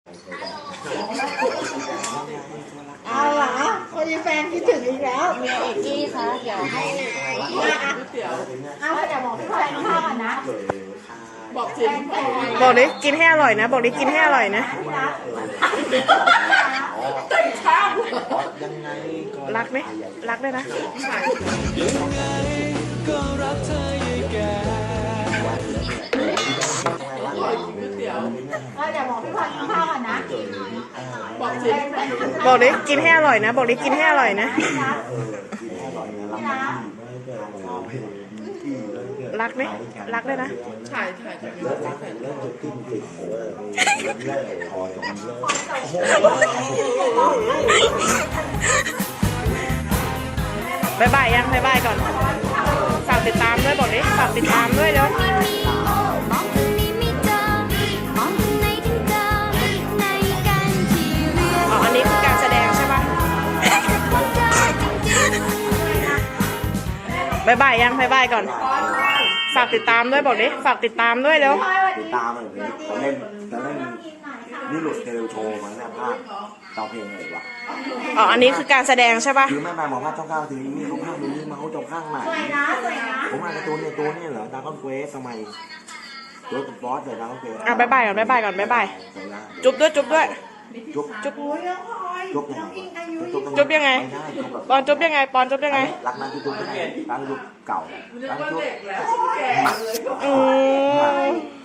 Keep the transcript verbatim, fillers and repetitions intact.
เอาเหรอคนมีแฟนคิดถึงอีกแล้วเมียเอกกี้คะเดี๋ยวให้เอาเดี๋ยวบอกพี่พลอยข้าวก่อนนะบอกจริงบอกดิกินให้อร่อยนะบอกดิกินให้อร่อยนะรักไหมรักเลยนะเดี๋ยวบอกพี่พลอยข้าวก่อนนะบอกจริงบอกดิกินให้อร่อยนะบอกดิกินให้อร่อยนะรักไหมรักเลยนะถ่ายถ่ายบายบายยังบายบายก่อนฝากติดตามด้วยบอกดิฝากติดตามด้วยเดี๋ยวอ๋ออันนี้คือการแสดงใช่ปะบายบายยังบายบายก่อนฝากติดตามด้วยบอกดิฝากติดตามด้วยเดี๋ยวติดตามเลยเขาเล่นเขาเล่นนี่หลุดเทเลโชว์มาเนี่ยภาคเตาเพลงเลยวะอ๋ออันนี้คือการแสดงใช่ปะคือแม่แม่บอกว่าช่องเก้าทีนี่เขาภาคนี้มาเขาจบข้างไหนผมอ่านการ์ตูนเนี่ยตัวนี่เหรอดาร์คเควสทำไมตัวกับบอสเดี๋ยวดาร์คเควสอ่ะบายบายก่อนบายบายก่อนบายบายจุ๊บด้วยจุ๊บด้วยจุ๊บจุ๊บจุ๊บยังไงจุ๊บยังไงปอนจุ๊บยังไงปอนจุ๊บยังไงรักนั้นคือจุ๊บยังไงรักจุ๊บเก่ารักจุ๊บอืม